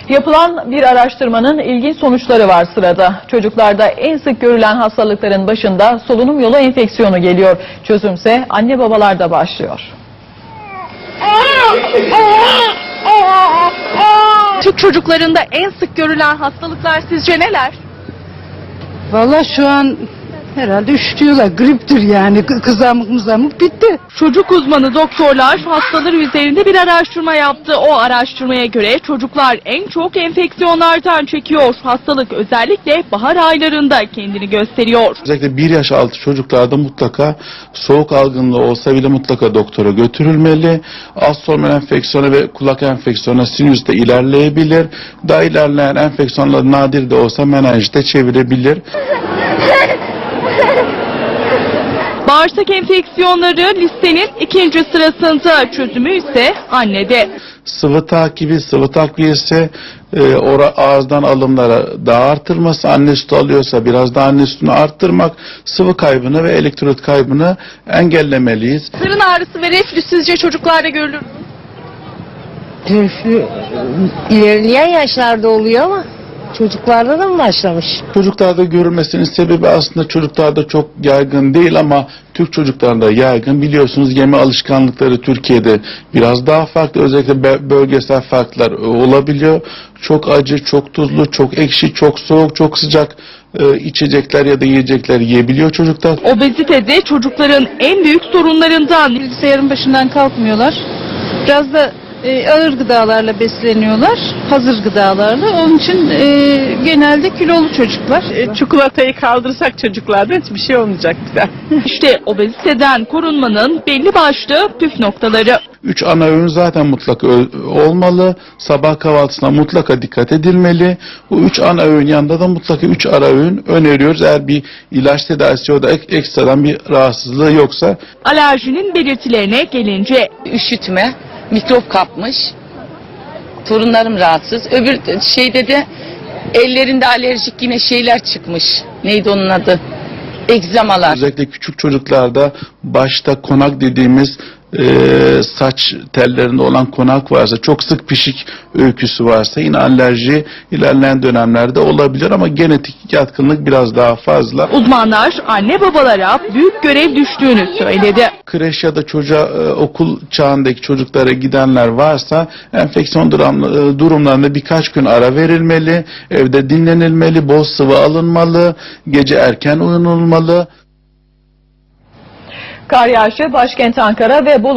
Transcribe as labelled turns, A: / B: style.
A: Yapılan bir araştırmanın ilginç sonuçları var sırada. Çocuklarda en sık görülen hastalıkların başında solunum yolu enfeksiyonu geliyor. Çözümse anne babalarda başlıyor.
B: Türk çocuklarında en sık görülen hastalıklar sizce neler?
C: Vallahi şu an herhalde üşütüyorlar. Griptir yani. Kızamık mızamık bitti.
B: Çocuk uzmanı doktorlar hastaları üzerinde bir araştırma yaptı. O araştırmaya göre çocuklar en çok enfeksiyonlardan çekiyor. Hastalık özellikle bahar aylarında kendini gösteriyor.
D: Özellikle 1 yaş altı çocuklarda mutlaka soğuk algınlığı olsa bile mutlaka doktora götürülmeli. Alt solunum enfeksiyonu ve kulak enfeksiyonu sinüste ilerleyebilir. Daha ilerleyen enfeksiyonlar nadir de olsa menenjite çevirebilir.
B: Bağırsak enfeksiyonları listenin ikinci sırasında, çözümü ise annede.
D: Sıvı takibi, sıvı takviyesi, ağızdan alımlara daha artırması, anne sütü alıyorsa biraz daha anne sütünü arttırmak, sıvı kaybını ve elektrolit kaybını engellemeliyiz.
B: Karın ağrısı ve reflü sizce çocuklarda görülür mü?
E: Reflü ilerleyen yaşlarda oluyor ama çocuklarda da mı başlamış?
D: Çocuklarda görülmesinin sebebi aslında çocuklarda çok yaygın değil ama Türk çocuklarında yaygın. Biliyorsunuz yeme alışkanlıkları Türkiye'de biraz daha farklı. Özellikle bölgesel farklar olabiliyor. Çok acı, çok tuzlu, çok ekşi, çok soğuk, çok sıcak içecekler ya da yiyecekler yiyebiliyor çocuklar.
B: Obezite de çocukların en büyük sorunlarından.
C: Bilgisayarın başından kalkmıyorlar. Biraz da ağır gıdalarla besleniyorlar. Hazır gıdalarla. Onun için genelde kilolu çocuklar.
F: Çikolatayı kaldırsak çocuklarda hiçbir şey olmayacak bize.
B: İşte obeziteden korunmanın belli başlı püf noktaları.
D: 3 ana öğün zaten mutlaka olmalı. Sabah kahvaltısına mutlaka dikkat edilmeli. Bu 3 ana öğün yanında da mutlaka 3 ara öğün öneriyoruz. Eğer bir ilaç tedavisi ya da ekstradan bir rahatsızlığı yoksa.
B: Alerjinin belirtilerine gelince
G: Üşütme, mikrop kapmış, torunlarım rahatsız. Öbür şeyde de ellerinde alerjik yine şeyler çıkmış. Neydi onun adı? Egzamalar.
D: Özellikle küçük çocuklarda başta konak dediğimiz saç tellerinde olan konak varsa, çok sık pişik öyküsü varsa yine alerji ilerleyen dönemlerde olabilir ama genetik yatkınlık biraz daha fazla.
B: uzmanlar anne babalara büyük görev düştüğünü söyledi.
D: Kreş ya da okul çağındaki çocuklara gidenler varsa enfeksiyon durumlarında birkaç gün ara verilmeli, evde dinlenilmeli, bol sıvı alınmalı, gece erken uyunulmalı.
A: Kar yağışı başkent Ankara ve Bolu